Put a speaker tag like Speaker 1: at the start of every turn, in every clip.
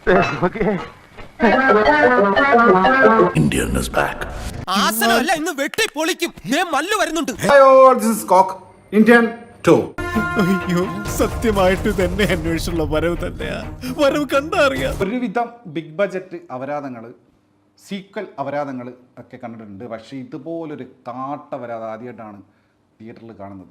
Speaker 1: Indian is back.
Speaker 2: ആസനമല്ല ഇന്ന് വെട്ടി പൊളിക്കും. മല്ലു വരുന്നുണ്ട്.
Speaker 3: ഇന്ത്യൻ 2.
Speaker 4: അയ്യോ, സത്യമായിട്ട് തന്നെ അന്വേഷണമുള്ള വരവ് തന്നെയാ. വരവ് കണ്ടറിയാം.
Speaker 3: ഒരുവിധം ബിഗ് ബഡ്ജറ്റ് അപരാധങ്ങൾ, സീക്വൽ അപരാധങ്ങൾ ഒക്കെ കണ്ടിട്ടുണ്ട്. പക്ഷേ ഇതുപോലൊരു കാട്ട അപരാധം ആദ്യമായിട്ടാണ് തിയേറ്ററിൽ കാണുന്നത്.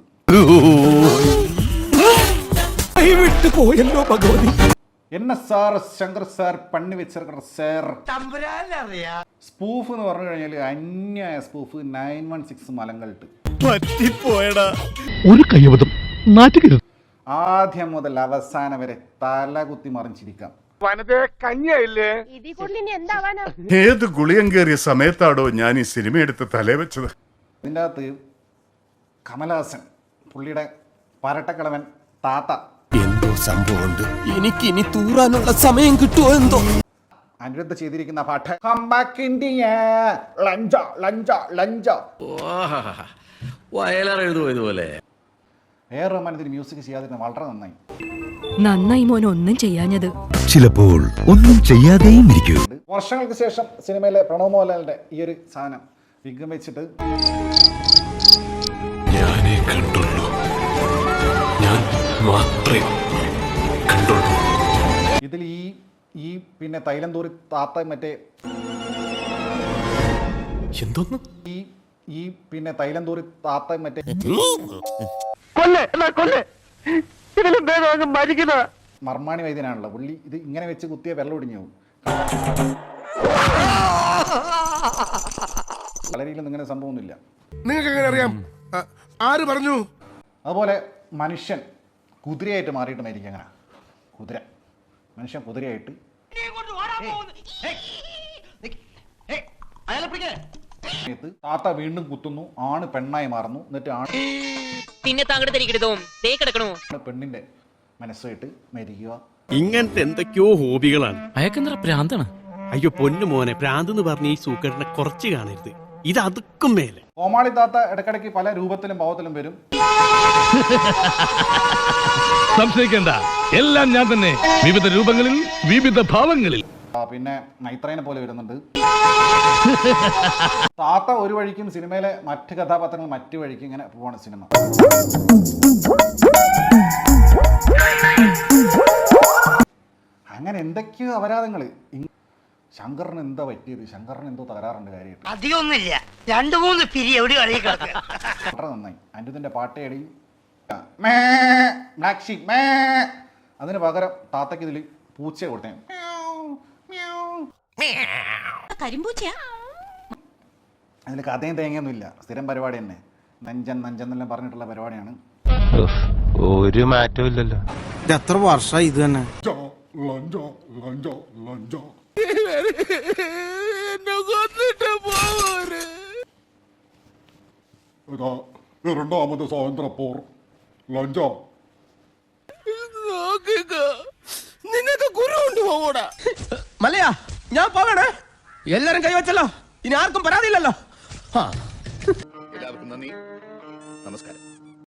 Speaker 4: പോയല്ലോ ഭഗവതി.
Speaker 3: സാർ ശങ്കർ സാർ പണി വെച്ചിരിക്കുന്ന സാർ സ്പൂഫ് എന്ന് പറഞ്ഞു കഴിഞ്ഞാൽ അന്യായ സ്പൂഫ് 916 മലങ്കൾട്ട്
Speaker 4: പറ്റിപ്പോയടാ.
Speaker 1: ഒരു കയ്യബദ്ധം നാറ്റുകരുത്.
Speaker 3: ആദ്യം മുതൽ അവസാനം വരെ തല കുത്തി മറിഞ്ഞിരിക്കാം.
Speaker 5: ഏത് ഗുളിയം കയറിയ സമയത്താടോ ഞാൻ ഈ സിനിമ എടുത്ത് തലേ വെച്ചത്.
Speaker 3: ഇതിൻ്റെ അകത്ത് കമലഹാസൻ, പുള്ളിയുടെ പരട്ടക്കിളവൻ താത്ത,
Speaker 2: എന്തോ സംഭവമുണ്ട്. എനിക്ക് ഇനി തൂറാനുള്ള സമയം കിട്ടുമോ എന്തോ.
Speaker 3: അനിരുദ്ധ ചെയ്തിരിക്കുന്ന പാട്ട്
Speaker 6: ഇതുപോലെ
Speaker 3: റഹ്മാൻ ഇതിന് മ്യൂസിക് ചെയ്യാതിരുന്ന വളരെ
Speaker 7: നന്നായി മോൻ ഒന്നും ചെയ്യാഞ്ഞത്.
Speaker 1: ചിലപ്പോൾ ഒന്നും ചെയ്യാതെയും ഇരിക്കൂ.
Speaker 3: വർഷങ്ങൾക്ക് ശേഷം സിനിമയിലെ പ്രണവ് മോഹൻലാലിന്റെ ഈ ഒരു സാധനം വിഗ്ഗം വെച്ചിട്ട്
Speaker 6: ഞാനേ കണ്ടുള്ളൂ, ഞാൻ മാത്രമേ കണ്ടുള്ളൂ.
Speaker 3: ഇതിൽ ഈ പിന്നെ തൈലം തൂറി താത്ത മറ്റേ
Speaker 2: എന്തോന്ന്
Speaker 3: ഈ പിന്നെ തൈലം തൂറി താത്ത മറ്റേ മർമാണി വൈദ്യനാണല്ലോ പുള്ളി. ഇത് ഇങ്ങനെ വെച്ച് കുത്തിയ വെള്ളം ഒടിഞ്ഞു പോകും. വളരെയിലും ഇങ്ങനെ സംഭവമൊന്നുമില്ല.
Speaker 5: നിങ്ങൾക്ക് എങ്ങനെ അറിയാം? ആര് പറഞ്ഞു?
Speaker 3: അതുപോലെ മനുഷ്യൻ കുതിരയായിട്ട് മാറിയിട്ട് മരിക്കും. അങ്ങനെ മനുഷ്യൻ കുതിരയായിട്ട് താത്ത വീണ്ടും കുത്തുന്നു, ആണ് പെണ്ണായി മാറുന്നു. എന്നിട്ട് ആണ് പെണ്ണിന്റെ മനസ്സായിട്ട് മരിക്കുക.
Speaker 8: ഇങ്ങനത്തെ എന്തൊക്കെയോ ഹോബികളാണ്.
Speaker 2: അയക്കെന്താ പ്രാന്താണ്.
Speaker 8: അയ്യോ പൊന്നു മോനെ, പ്രാന്ത് എന്ന് പറഞ്ഞ ഈ സൂക്കേടിനെ കുറച്ച് കാണരുത്. ഇത് അതുക്കും മേലെ.
Speaker 3: കോമാളി താത്ത ഇടയ്ക്കിടയ്ക്ക് പല രൂപത്തിലും ഭാവത്തിലും വരും.
Speaker 9: സംശയിക്കണ്ട, എല്ലാം ഞാൻ തന്നെ, വിവിധ രൂപങ്ങളിൽ വിവിധ ഭാവങ്ങളിൽ.
Speaker 3: പിന്നെ നൈത്രേനെ പോലെ വരുന്നുണ്ട്. താത്ത ഒരു വഴിക്കും സിനിമയിലെ മറ്റ് കഥാപാത്രങ്ങൾ മറ്റു വഴിക്കും ഇങ്ങനെ പോവാണ് സിനിമ. അങ്ങനെ എന്തൊക്കെയോ അപരാധങ്ങള്. ശങ്കറിന് എന്താ പറ്റിയത്? ശങ്കറിന് എന്തോ തകരാറുണ്ട് കാര്യമായിട്ട്.
Speaker 10: അധികമൊന്നുമില്ല, 2-3 പിരി എവിടെ
Speaker 3: വളരെ നന്നായി. അനിരുദ്ധിന്റെ പാട്ടേടി ബ്ലാക്ക് ഷീപ്പ് അതിന് പകരം താത്തക്ക് ഇതിൽ പൂച്ചയെ കൊടുത്തേ. അതിൽ കഥയും തേങ്ങയൊന്നും ഇല്ല. സ്ഥിരം പരിപാടി തന്നെ. നഞ്ചൻ എന്നെല്ലാം പറഞ്ഞിട്ടുള്ള പരിപാടിയാണ്.
Speaker 6: ഒരു മാറ്റവും ഇല്ലല്ലോ.
Speaker 4: എത്ര വർഷമായി ഇത് തന്നെ.
Speaker 5: രണ്ടാമത് സ്വാതന്ത്ര്യപ്പോർ ലഞ്ചോ
Speaker 2: നിന്നൊക്കെ ഗുരു കൊണ്ടുപോകൂടാ. മലയാ, ഞാൻ പോകണേ. എല്ലാരും കൈവച്ചല്ലോ, ഇനി ആർക്കും പരാതിയില്ലല്ലോ.